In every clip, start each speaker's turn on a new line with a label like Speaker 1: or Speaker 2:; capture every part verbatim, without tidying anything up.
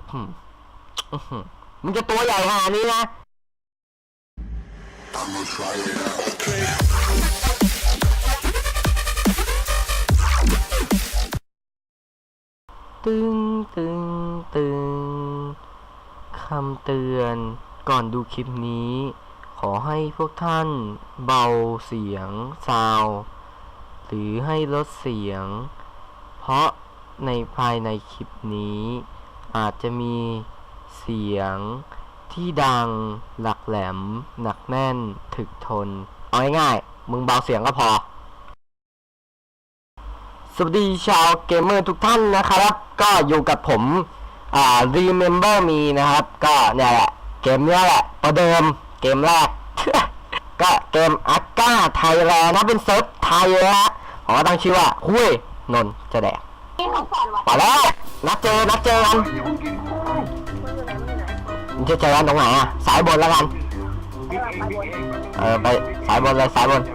Speaker 1: มึงจะตัวใหญ่ขนาดนี้นะตึงตึงตึงคำเตือนก่อนดูคลิปนี้ขอให้พวกท่านเบาเสียงซาวด์หรือให้ลดเสียงเพราะในภายในคลิปนี้อาจจะมีเสียงที่ดังหลักแหลมหนักแน่นถึกทนเอาง่ายๆมึงเบาเสียงก็พอสวัสดีชาวเกมเมอร์ทุกท่านนะครับก็อยู่กับผมอ่า Remember Me นะครับก็เนี่ยแหละเกมนี้แหละประเดิมเกมแรก ก็เกมอักก้าไทยแลนด์นะเป็นเซิร์ฟไทยเลยฮะขอตั้งชื่อว่าหุ้ยนนจะแดกไปแล้วนัดเจอนัดเจอกันมึงจะเจอกันตรงไหนอ่ะสายบนแล้วกันเออไปสายบนเลยสายบน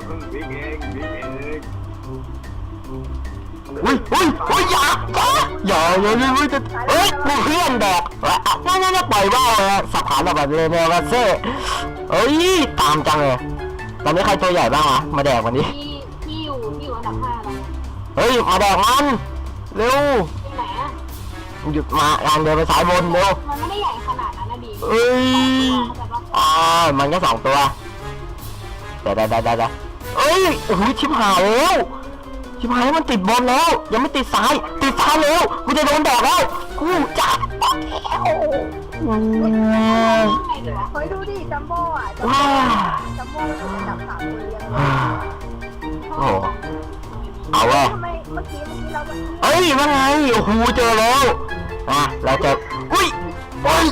Speaker 1: อุ้ยอุ้ยอุ้ยอย่าอย่าอย่าอย่าอย่าจะเอ้ยกูเพื่อนแดกนั่นนั่นปล่อยว่าวเลยสับขาหลแบบเลยเนี่ยว่าเซ่เอ้ยตามจังเลยตอนนี้ใครตัวใหญ่บ้างวะมาแดกวันนี้
Speaker 2: ที่ที่อยู่ที่อยู่อันดับห้าแล้ว
Speaker 1: เฮ้ยมาแดกมันเร็ว
Speaker 2: ที่ไหนอ่ะ
Speaker 1: หยุดมาการเดินไปสายบนเร็ว
Speaker 2: มันไม่ได้ใหญ่ขนาดนั้นนะดี
Speaker 1: เอ้ยอ๋อมันแค่สองตัวเดี๋ยวเดี๋ยวเดี๋ยวเดี๋ยวเอ้ยโอ้โหชิบหายแล้วชิบหายมันติดบอลแล้วยังไม่ติดซ้ายติดซ้ายแล้วกูจะโดนแดกแล้วกูจับ
Speaker 2: เฮ้ยดูดิจัมโบ้อะจัมโบ้อยู่อันดับสามคนเรียง
Speaker 1: โอ้เอาเว้ย
Speaker 2: ทำไมเมื่อกี้เมื่อกี้เรา
Speaker 1: เอ้ยว่าไงโอ้โหเจอแล้วอ่ะเราจะอุ้ยเฮ้ย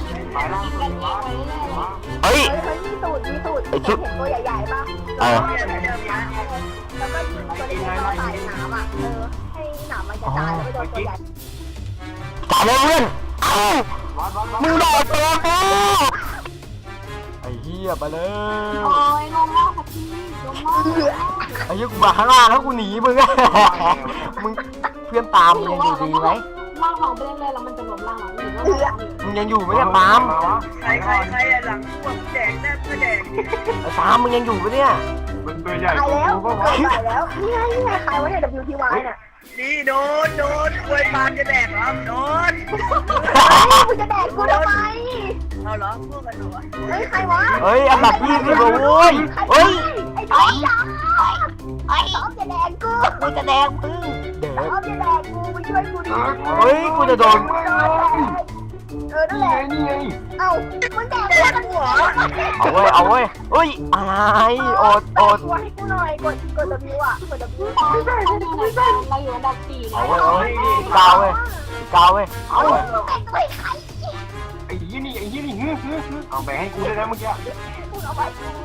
Speaker 1: เฮ้ย
Speaker 2: เฮ้ยมีสูตรมีสูตรเห็นตัวใหญ่ๆป่ะ
Speaker 1: เออ
Speaker 2: แล้วก็ยิงตัวเล็กๆเข้าใส่หนามอ่ะเออให้หนามมันกระจายแล้วไปโดนตัวใหญ่
Speaker 1: จ่าเลยเพื่อนเอ้ามึงโดนตัวกูไอ้เหี้ยไปเลย
Speaker 2: โอ้ยลงแล้วค่ะพี่ลงแล้ว
Speaker 1: ไอ้เหี้ยกูมาข้างล่างแล้วกูหนีมึงมึงเพื่อนตามมึงยังอยู่ดีไหม
Speaker 2: ล่างของไปเรื่อยๆแล้วมันจะล้มล่างหลังหรือว่า
Speaker 1: มึงยังอยู่ไหมเนี่ยปาม
Speaker 3: ใครใครใครหลังพวกแดงแน่ก็แดง
Speaker 1: ไอ้ปามมึงยังอยู่ไหมเนี่ย
Speaker 3: มันตัวใหญ่
Speaker 2: แล้วใหญ่แล้วนี่ไงนี่ไงใครวะเนี่ย ดับเบิลยู ที วาย เนี่ย
Speaker 3: นี่โดนโดนควยปานจะแดกเหรอโดน
Speaker 2: มึงจะแดกกูทำไม
Speaker 3: เอาเหรอพวกกันเหรอ
Speaker 2: เฮ้ยใครวะ
Speaker 1: เฮ้ยอันดับยี่สิบโว้ยเฮ้ย
Speaker 2: ไอ้ต้อมจ้าไอ้ต้อมจะแดกกู
Speaker 1: มึงจะแดกมึงเด็ก
Speaker 2: ต้อมจะแดกกูมาช่วยกูดิ
Speaker 1: เฮ้ยกูจะโดน
Speaker 2: เออนั่นแหละเอ้ามึงแดกกูกันหัว
Speaker 1: เอาเว้ยเอาเว้ยเฮ้ยอะไรอดอด
Speaker 2: ตัวให้กูหน่อยกดกด W อ่ะกด W ไม่ได้ไม่ได้เราอยู่อันดับสี่
Speaker 1: เอาเว้ยเอาเว้ยกาวเว้ยกาวเว้ยเอาเว้ย
Speaker 3: ไอ้ยี่นี่ไอ้ยี่นี่เอาไปให้กูได้แล้วเมื่อกี้
Speaker 2: เอาไป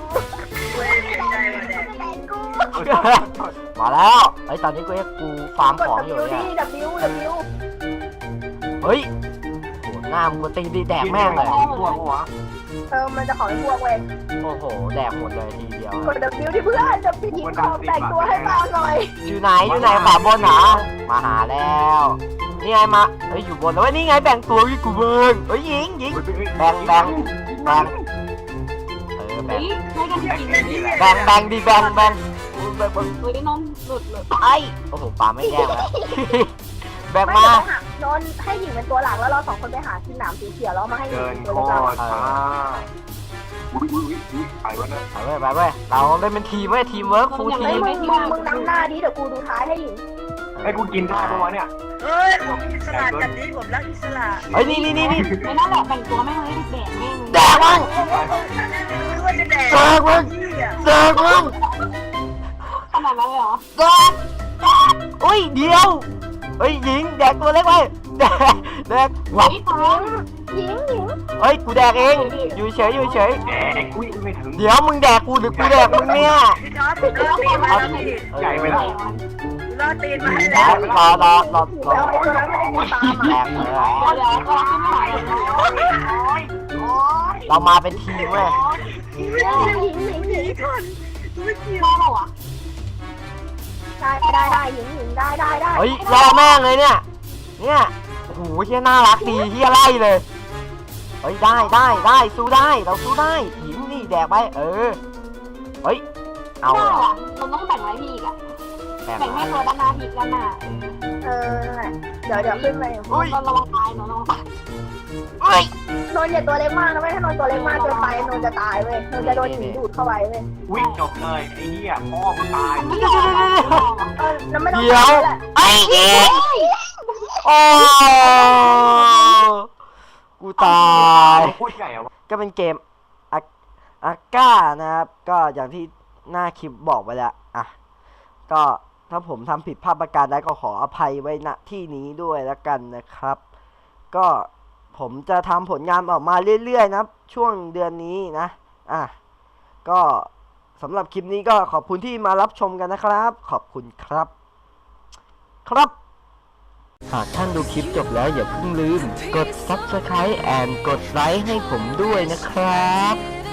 Speaker 1: มาแล้วไอ้ตอนนี้กูเอ็กกูฟาร์มของอยู่เนี่ย
Speaker 2: W W
Speaker 1: เฮ้ยโหหน้ามึงมาตีดีแดกแม่งเลย
Speaker 3: พวกหัว
Speaker 2: เออมันจะขอให้พวกเว้ย
Speaker 1: โอ้โหแดกหมดเลยทีเดียว
Speaker 2: กด W ที่เพื่อนจะพิมพ์ของแต่งตัวให้มาหน่อย
Speaker 1: อยู่ไหนอยู่ไหนขวาบนเหรอมาหาแล้วนี่ไงมาเฮ้ยอยู่บนแล้วนี่ไงแบ่งตัวพี่กูเบิ้งเฮ้ยยิงยิงแบ่งแบ่งแบ่งเออแบ่งแบ่งแบ่งดีแบ่งแบ่งแบ่ง
Speaker 2: เฮ้ยน้องหลุดเลย
Speaker 1: ไอ้โอ้โหปลาไม่แย่แล้วแบ่งม
Speaker 2: านอนให้หญิงเป็นตัวหลักแล้วเราสองคนไปหาที่หนามสีเขียวแล้วมาให้หญิงเป็นตัวหลัก
Speaker 3: อุ้ยอุ้ยอุ้ยไปวะนะ
Speaker 1: ไปเว้ยไปเว้ยเราเล่นเป็นทีมเว้ยทีมเวิร์คฟูลทีม
Speaker 2: มึงมึงนำหน้าดิเดี๋ยวกูดูท้ายให้หญิง
Speaker 3: ให้กูกินได้ปะวะเนี่ยเฮ้ยผมอิสระจัดนี้ผมรักอิสระ
Speaker 1: เฮ้ยนี่นี่นี่นี่
Speaker 2: ไม่น่าแหละแต่งตัวแม่งเลยแดกแม่ง
Speaker 1: แดกมึง
Speaker 3: ไม่ว่าจะแดก
Speaker 1: แดกมึงแดกมึง
Speaker 2: ขนาดนั้นเลยเหรอ
Speaker 1: แดกแดกอุ้ยเดียวเฮ้ยหญิงแดกตัวเล็กไว้แดกแดกหวับ
Speaker 2: หญิงหญิง
Speaker 1: เฮ้ยกูแดกเองอยู่เฉยอยู่เฉยเดี๋ยวมึงแดกกูหรือกูแดกมึงเนี่ย
Speaker 3: ใหญ่ไปแล้วรอตีนมา
Speaker 1: แล้วรอรอรอรอแดกเลยเรามาเป็นทีมเว้ย
Speaker 2: ได้ได้ได้หญิงหญิงได้ได้ได้
Speaker 1: เฮ้ยรอแม่งเลยเนี่ยเนี่ยโอ้โหเฮียน่ารักดีเฮียไล่เลยเฮ้ยได้ได้ได้สู้ได้เราสู้ได้หินนี่แดกไปเออเฮ้ยเอา
Speaker 4: ได้
Speaker 1: เหรอ
Speaker 4: อะเราต้องแบ่งไว้พี่อีกอะ
Speaker 1: แบ่ง
Speaker 4: แบ่งให้
Speaker 1: ไว้
Speaker 4: ตัวด้านหน้าพี่ด้านหน้า
Speaker 2: เออนั่นแหละเดี๋ยวเดี๋ยวขึ้นไป
Speaker 1: อุ้ย
Speaker 4: เราระวังตายเราระวังตาย
Speaker 1: เฮ้ย
Speaker 2: นนท์อย่าตัวเล็กมากนะไม่ถ้านนท์ตัวเล็กมากเกินไปนนท์จะตายเว้ยนนท์จะโดนหินดูดเข้าไปเว้ย
Speaker 3: วิ่งจบเลยไอ้เหี้ยพ่อมึงตาย
Speaker 4: มันไม่ได้ไม่ได้
Speaker 2: เออแล้วไม่ต้อง
Speaker 1: เดี๋ยว
Speaker 2: ตายแหละ
Speaker 1: ไอ้เหี้ยโอ้กูตาย
Speaker 3: พูดใหญ่อะวะ
Speaker 1: ก็เป็นเกมอาอาก้านะครับ ก็อย่างที่หน้าคลิปบอกไปแล้วอ่ะก็ถ้าผมทำผิดพลาดประการใดก็ขออภัยไว้ณที่นี้ด้วยแล้วกันนะครับ ก็ผมจะทำผลงานออกมาเรื่อยๆนะครับ ช่วงเดือนนี้นะอ่ะก็สำหรับคลิปนี้ก็ขอบคุณที่มารับชมกันนะครับ ขอบคุณครับ ครับ หากท่านดูคลิปจบแล้วอย่าเพิ่งลืม กด ซับสไครบ์ and กดไลค์ให้ผมด้วยนะครับ